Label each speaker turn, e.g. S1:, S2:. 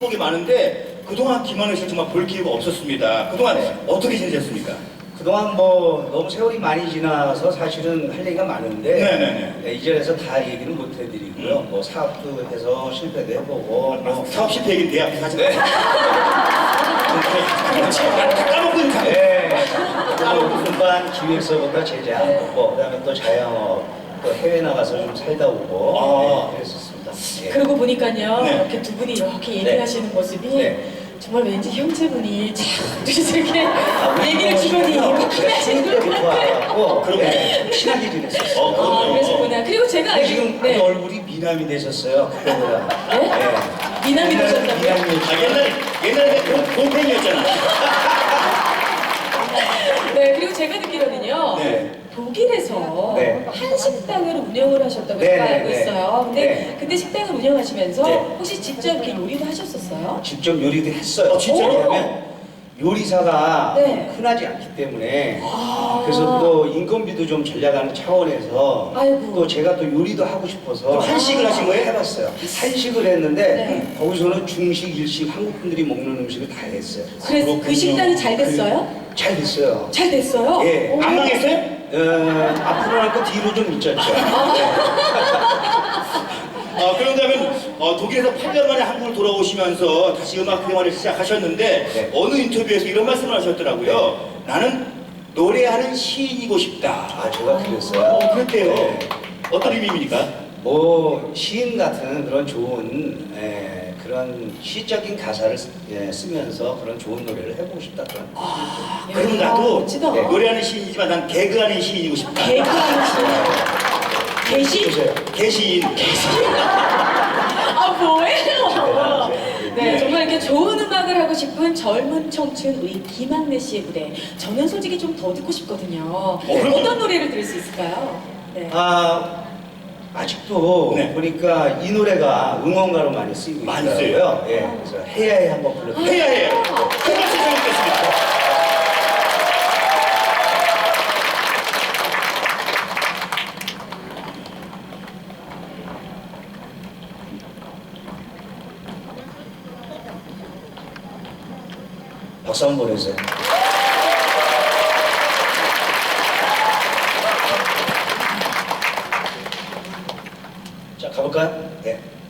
S1: 게 많은데 그동안 김하늘 씨 정말 볼 기회가 없었습니다. 그동안 어떻게 지내셨습니까?
S2: 그동안 뭐 너무 세월이 많이 지나서 사실은 할 얘기가 많은데
S1: 네네네.
S2: 이 자리에서 다 얘기는 못 해드리고요. 뭐 사업도 해서 실패도 해보고 뭐
S1: 사업 실패 얘기는 내 앞에서 하지
S2: 네.
S1: 다 까먹고 있는 거
S2: 네. 또 분반 기획서부터 제작하고 그다음에 또 자영업 또 해외 나가서 좀 살다 오고 네, 그랬었습니다. 예.
S3: 그러고 보니까요,
S1: 네.
S3: 이렇게 두 분이 이렇게 얘기하시는 모습이
S2: 네.
S3: 정말 왠지 형제분이 참 이렇게 얘기를
S2: 뭐
S3: 주변이
S2: 신혼 때부터 알았고
S1: 그러고
S2: 친하게 지냈었어요.
S1: 그럼요.
S3: 그러시구나. 그리고 제가
S2: 근데 지금
S3: 네.
S2: 얼굴이 미남이 되셨어요. 그때보다.
S3: 네? 미남이 되셨다고요?
S2: 미남이
S1: 옛날에 동생이었잖아.
S3: 네, 그리고 제가 듣기로는요,
S1: 네.
S3: 독일에서
S2: 네.
S3: 한 식당을 운영을 하셨다고
S2: 네,
S3: 제가
S2: 네,
S3: 알고
S2: 네.
S3: 있어요. 근데
S2: 네.
S3: 그때 식당을 운영하시면서
S2: 네.
S3: 혹시 직접 이렇게 요리도 하셨었어요?
S2: 직접 요리도 했어요.
S1: 진짜요?
S2: 왜냐면 요리사가
S3: 네.
S2: 흔하지 않기 때문에 그래서 또 인건비도 좀 절약하는 차원에서
S3: 아이고.
S2: 또 제가 또 요리도 하고 싶어서
S1: 그럼 한식을 하신 거예요?
S2: 해봤어요. 한식을 했는데
S3: 네.
S2: 거기서는 중식, 일식, 한국 분들이 먹는 음식을 다 했어요.
S3: 그래서 그
S1: 그렇군요.
S3: 식당이 잘 됐어요?
S2: 잘 됐어요.
S3: 잘 됐어요?
S2: 예.
S3: 오.
S1: 안 망했어요?
S2: 앞으로 할거 뒤로 좀 있었죠.
S1: 그런다면 독일에서 8년 만에 한국을 돌아오시면서 다시 음악 생활을 시작하셨는데
S2: 네.
S1: 어느 인터뷰에서 이런 말씀을 하셨더라고요. 나는 노래하는 시인이고 싶다.
S2: 제가 그랬어요.
S1: 그랬대요.
S2: 네.
S1: 어떤 의미입니까?
S2: 뭐 시인 같은 그런 좋은 그런 시적인 가사를 쓰면서 그런 좋은 노래를 해보고 싶다 그런
S1: 그럼 나도
S3: 멋지다.
S1: 노래하는 시인이지만 난 개그하는 시인이고 싶다.
S3: 개그하는 시. 개시?
S2: 보세요.
S1: 개시인.
S3: 아, 뭐예요? 네,
S1: 네.
S3: 정말 이렇게 좋은 음악을 하고 싶은 젊은 청춘 우리 김학래 씨의 무대. 저는 솔직히 좀 더 듣고 싶거든요.
S1: 그럼요.
S3: 어떤 노래를 들을 수 있을까요? 네.
S2: 아직도
S1: 네.
S2: 보니까 이 노래가 응원가로 많이 쓰이고
S1: 많이
S2: 있더라고요. 예, 그래서 해야 해 한번 불러드릴게요.
S1: 해야 해요. 정말 세상이겠습니다.
S2: 박수 한번 보내주세요. 자, 가볼까요? 네.